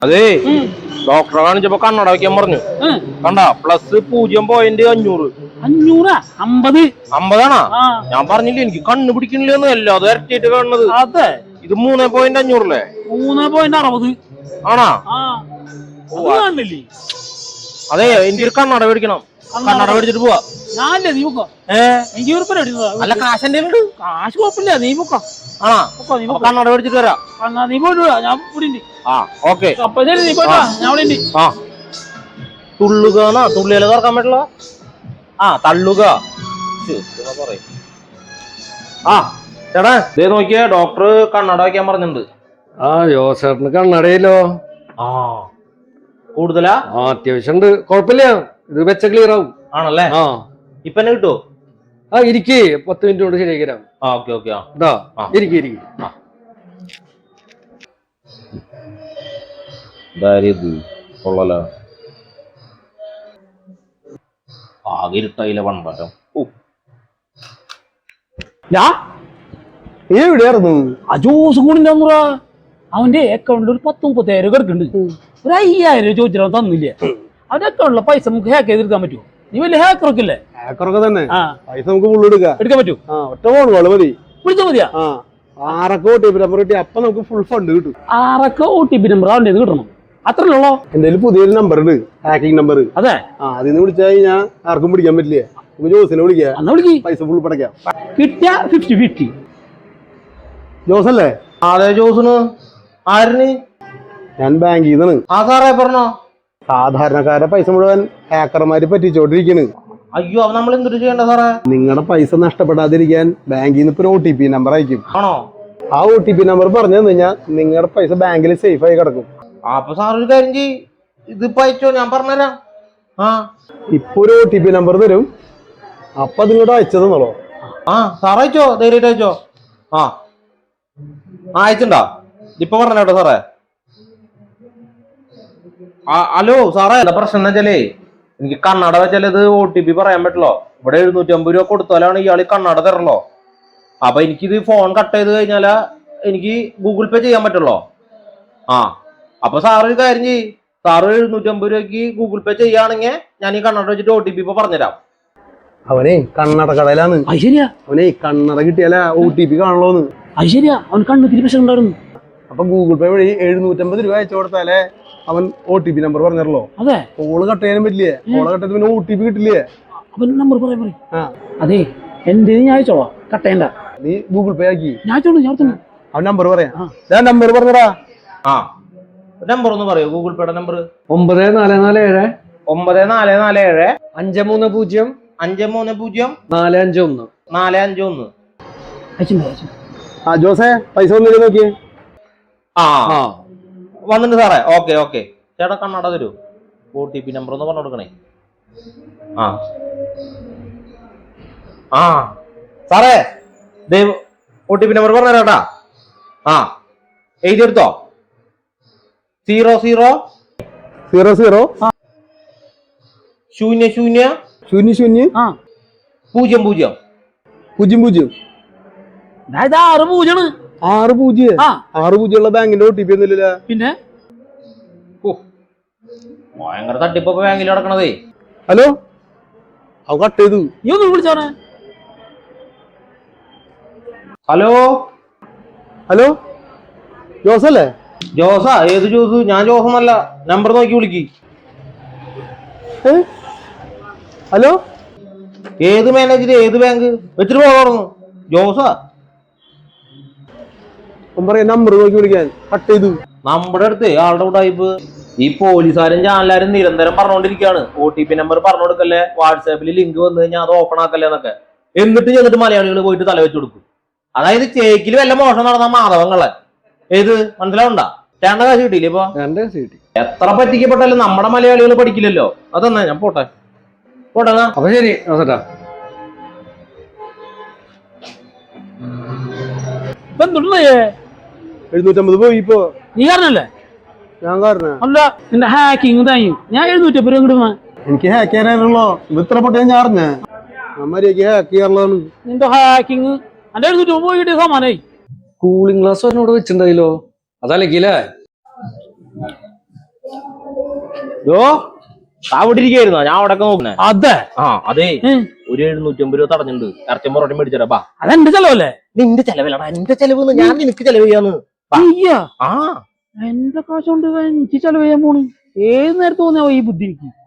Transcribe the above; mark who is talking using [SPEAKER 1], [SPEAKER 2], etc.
[SPEAKER 1] അതെ ഡോക്ടറെ കാണിച്ചപ്പോ കണ്ണട വെക്കാൻ പറഞ്ഞു. കണ്ട +0.500. 50 ഞാൻ പറഞ്ഞില്ലേ എനിക്ക് കണ്ണ് പിടിക്കണില്ലെന്ന്. അല്ലാതെ ഇരട്ടിയിട്ട് കാണുന്നത്.
[SPEAKER 2] അതെ
[SPEAKER 1] ഇത് 3.500 അല്ലേ?
[SPEAKER 2] 3.60
[SPEAKER 1] ആണാ? അതെ എനിക്ക് ഒരു കണ്ണട മേടിക്കണം. കണ്ണട മേടിച്ചിട്ട് പോവാ. അല്ല കാശ് എന്റെ
[SPEAKER 2] കാശ് കുഴപ്പമില്ല, നീ പൊക്കോ.
[SPEAKER 1] ആണാ? കണ്ണട മേടിച്ചിട്ട് വരാം.
[SPEAKER 2] നീ പോയിട്ട് ഞാൻ
[SPEAKER 1] ഓക്കെ.
[SPEAKER 2] നീ പോയിട്ട് ഞാൻ
[SPEAKER 1] തുള്ളുകന്നാ? തുള്ളിയാലേ തുറക്കാൻ പറ്റില്ല. തള്ളുക. ചേട്ടാ ദേ നോക്കിയേ, ഡോക്ടർ കണ്ണട വയ്ക്കാൻ പറഞ്ഞിട്ടുണ്ട്.
[SPEAKER 3] ജോസേട്ടന് കണ്ണടയില്ലോ?
[SPEAKER 1] കൂടുതലാ?
[SPEAKER 3] അത്യാവശ്യം ഉണ്ട്, കുഴപ്പമില്ല. ഇത് വെച്ച ക്ലിയർ ആവും.
[SPEAKER 1] ആണല്ലേ? ഇപ്പൊ തന്നെ കിട്ടുവോ?
[SPEAKER 3] ഇരിക്കേ, 10 മിനിറ്റ് കൊണ്ട് ശരിയാക്കി തരാം.
[SPEAKER 1] Okay okay.
[SPEAKER 3] ഇരിക്കും.
[SPEAKER 1] കൊള്ളല ആകെ ഇരുട്ടായില്ല പണ്ടാരം.
[SPEAKER 3] എവിടെയായിരുന്നു
[SPEAKER 2] ആ ജോസ് കൂടിന്റെ അവന്റെ അക്കൗണ്ടിൽ ഒരു 10-30,000 കിടക്കുന്നുണ്ട്. ഒരു 5,000 ചോദിച്ചാൽ തന്നില്ല. അവന്റെ അക്കൗണ്ടിലെ പൈസ നമുക്ക് ഹാക്ക് ചെയ്തെടുക്കാൻ പറ്റുമോ? നീ വലിയ ഹാക്കറൊക്കെ അല്ലേ?
[SPEAKER 3] ഹാക്കറൊക്കെ തന്നെ. പൈസ നമുക്ക് ഫുള്ള് എടുക്കാൻ പറ്റും. ഒറ്റ ഫോൺ മതി,
[SPEAKER 2] വിളിച്ചാൽ മതിയാ.
[SPEAKER 3] 6 OTP നമ്പർ കിട്ടി, അപ്പൊ നമുക്ക് ഫുൾ ഫണ്ട് കിട്ടും.
[SPEAKER 2] 6 OTP നമ്പർ അവന്റെ കിട്ടണം, അത്രയുള്ളോ?
[SPEAKER 3] എന്റെ പുതിയൊരു നമ്പർ ഉണ്ട്, ഹാക്കിംഗ് നമ്പർ.
[SPEAKER 2] അതെ,
[SPEAKER 3] അതിന്ന് വിളിച്ചാൽ കഴിഞ്ഞാൽ ആർക്കും പിടിക്കാൻ പറ്റില്ല. ജോസിനെ വിളിക്കാം, പൈസ ഫുൾ പടക്കാം.
[SPEAKER 2] കിട്ടിയ 50-50.
[SPEAKER 3] ജോസല്ലേ?
[SPEAKER 1] അതെ ജോസിന്. ആരിന്?
[SPEAKER 3] ഞാൻ ബാങ്കിൽ നിന്നാണ്.
[SPEAKER 1] സാറേ പറഞ്ഞോ.
[SPEAKER 3] സാധാരണക്കാരെ പൈസ മുഴുവൻ ഹാക്കർമാര് പറ്റിച്ചോണ്ടിരിക്കണ്.
[SPEAKER 1] അയ്യോ, അത് നമ്മൾ എന്തൊരു ചെയ്യണ്ട സാറേ?
[SPEAKER 3] നിങ്ങളുടെ പൈസ നഷ്ടപ്പെടാതിരിക്കാൻ ബാങ്കിൽ നിന്ന് ഇപ്പൊ ഒരു OTP നമ്പർ അയക്കും.
[SPEAKER 1] ആണോ?
[SPEAKER 3] ആ OTP നമ്പർ പറഞ്ഞു കഴിഞ്ഞാൽ നിങ്ങളുടെ പൈസ ബാങ്കിൽ സേഫ് ആയി കിടക്കും.
[SPEAKER 1] അപ്പൊ സാർ ഒരു കാര്യം ചെയ്യ്, ഇതിപ്പോ അയച്ചോ, ഞാൻ പറഞ്ഞുതരാം.
[SPEAKER 3] ഇപ്പൊ ഒരു OTP നമ്പർ തരും, അപ്പൊ അതിങ്ങോട്ട് അയച്ചതെന്നുള്ളോ?
[SPEAKER 1] സാർ അയച്ചോ, ധൈര്യമായിട്ട് അയച്ചോ. അയച്ചിണ്ടോ? ഇപ്പൊ പറഞ്ഞോട്ടോ സാറേ. ഹലോ സാറേ, എന്താ പ്രശ്നം എന്ന് വെച്ചാലേ എനിക്ക് കണ്ണട വെച്ചാൽ ഇത് OTP പറയാൻ പറ്റില്ലോ. ഇവിടെ 750 രൂപ കൊടുത്താലാണ് ഇയാൾ കണ്ണട തരണല്ലോ. അപ്പൊ എനിക്കിത് ഫോൺ കട്ട് ചെയ്ത് കഴിഞ്ഞാലാ എനിക്ക് ഗൂഗിൾ പേ ചെയ്യാൻ പറ്റുള്ളോ. അപ്പൊ സാറ് ഒരു കാര്യം ചെയ്യ്, സാറ് 750 രൂപയ്ക്ക് ഗൂഗിൾ പേ ചെയ്യുകയാണെങ്കിൽ ഞാൻ ഈ കണ്ണട വെച്ചിട്ട് OTP ഇപ്പൊ പറഞ്ഞുതരാം.
[SPEAKER 3] അവനെ കണ്ണട കടയിലാണ്. അവനെ കണ്ണട കിട്ടിയാലാ OTP കാണുള്ളൂന്ന്.
[SPEAKER 2] അവൻ കണ്ണു പ്രശ്നം ഉണ്ടായിരുന്നു.
[SPEAKER 3] അപ്പൊ ഗൂഗിൾ പേ വഴി 750 രൂപ അയച്ചു കൊടുത്താലേ അവൻ OTP നമ്പർ പറഞ്ഞല്ലോ.
[SPEAKER 2] അതെ,
[SPEAKER 3] കോള് കട്ട് ചെയ്യാനും പറ്റില്ലേ? കോള് കട്ട് ചെയ്ത് പിന്നെ OTP കിട്ടില്ലേ?
[SPEAKER 2] അവൻ നമ്പർ പറയാൻ. അതെ, എന്റെ ഞാൻ അയച്ചോളാം, കട്ട് ചെയ്യണ്ട.
[SPEAKER 3] നീ ഗൂഗിൾ പേ ആക്കി.
[SPEAKER 2] ഞാൻ
[SPEAKER 3] അവൻ നമ്പർ പറയാം. നമ്പർ പറഞ്ഞടാ.
[SPEAKER 1] നമ്പർ ഒന്ന് പറയൂ, ഗൂഗിൾ പേയുടെ നമ്പർ.
[SPEAKER 3] 9447
[SPEAKER 1] 9447
[SPEAKER 3] 530
[SPEAKER 1] 530
[SPEAKER 3] 451
[SPEAKER 1] 451.
[SPEAKER 3] ജോസേ, പൈസ ഒന്നില്ല നോക്കിയേ.
[SPEAKER 1] വന്നിട്ട് സാറേ. Okay okay. ചേട്ടാ കണ്ണട തരൂ, OTP നമ്പർ ഒന്ന് പറഞ്ഞു കൊടുക്കണേ. സാറേ OTP നമ്പർ പറഞ്ഞു തരാട്ടാ. എഴുതിയെടുത്തോ. 00 00
[SPEAKER 3] 00
[SPEAKER 1] 00
[SPEAKER 3] 00
[SPEAKER 1] 00
[SPEAKER 3] 00 6 ബാങ്കിന്റെ OTP ഒന്നുമില്ല.
[SPEAKER 2] പിന്നെ
[SPEAKER 1] ഭയങ്കര തട്ടിപ്പ് ബാങ്കിൽ നടക്കണതേ.
[SPEAKER 3] ഹലോ, അവ കട്ട് ചെയ്തു.
[SPEAKER 2] നീ ഒന്ന് വിളിച്ചോണേ.
[SPEAKER 1] Hello
[SPEAKER 3] hello, ജോസല്ലേ?
[SPEAKER 1] ജോസാ? ഏത് ജോസ്? ഞാൻ ജോസൊന്നല്ല. നമ്പർ നോക്കി വിളിക്ക്.
[SPEAKER 3] ഹലോ,
[SPEAKER 1] ഏത് മാനേജർ, ഏത് ബാങ്ക് വെച്ചിട്ട് പോകാറുന്നു? ജോസാ?
[SPEAKER 3] നമ്പർ നോക്കി വിളിക്കാൻ. കട്ട് ചെയ്തു.
[SPEAKER 1] നമ്മുടെ അടുത്ത് ആളുടെ ഉടായിപ്പ്. ഈ പോലീസുകാരും ചാനലുകാരും നിരന്തരം പറഞ്ഞുകൊണ്ടിരിക്കുകയാണ്, OTP നമ്പർ പറഞ്ഞു കൊടുക്കല്ലേ, വാട്സാപ്പിൽ ലിങ്ക് വന്നു കഴിഞ്ഞാൽ അത് ഓപ്പൺ ആക്കല്ലേ എന്നൊക്കെ. എന്നിട്ട് മലയാളികൾ പോയിട്ട് തല വെച്ച് കൊടുക്കും. അതായത് ചേക്കിൽ വല്ല മോഷണം നടന്ന മാധവങ്ങളെ ഏത് മനസ്സിലാവണ്ട. ചേണ്ട കാശ് കിട്ടിയില്ലേ? ഇപ്പൊ എത്ര പറ്റിക്കപ്പെട്ടാലും നമ്മുടെ മലയാളികൾ പഠിക്കില്ലല്ലോ. അതെന്നാ ഞാൻ പോട്ടെ.
[SPEAKER 3] അപ്പൊ ശരി. 750 പോയി. ഇപ്പൊ
[SPEAKER 2] നീ കാരണല്ലേ?
[SPEAKER 3] ഞാൻ കാരണം
[SPEAKER 2] അല്ല, നിന്റെ ഹാക്കിങ് താങ്ങി. ഞാൻ 750 രൂപ കിട്ടുന്ന.
[SPEAKER 3] എനിക്ക് ഹാക്ക് ചെയ്യാനായിരുന്നല്ലോ. ഇത്ര പൊട്ടിയാ ഞാൻ അറിഞ്ഞ അമ്മക്ക് ഹാക്ക് ചെയ്യാറുള്ളതാണ്.
[SPEAKER 2] നിന്റെ ഹാക്കിങ് എന്റെ 750 പോയി കിട്ടിയ സമാനായി.
[SPEAKER 3] കൂളിംഗ് ഗ്ലാസ് ഒരെണ്ണം ഇവിടെ വെച്ചിട്ടുണ്ടായില്ലോ, അതല്ലെങ്കിലേ
[SPEAKER 1] യോ അവിടെ ഇരിക്കായിരുന്നോ? ഞാൻ അവിടെ നോക്കണേ.
[SPEAKER 2] അതെ
[SPEAKER 1] അതെ, ഒരു 750 രൂപ തടഞ്ഞിട്ടുണ്ട്. ഇറച്ചും പൊറോട്ടയും മേടിച്ചാ. ബാ,
[SPEAKER 2] അതെന്റെ ചെലവല്ലേ?
[SPEAKER 1] നിന്റെ ചെലവിലടാ, എന്റെ ചെലവ് ഞാൻ നിനക്ക് ചെലവ് ചെയ്യാന്ന്.
[SPEAKER 2] എന്റെ കാശ് കൊണ്ട് എനിക്ക് ചെലവ് ചെയ്യാൻ പോണ്. ഏത് നേരത്ത് തോന്നിയാവോ ഈ ബുദ്ധി എനിക്ക്?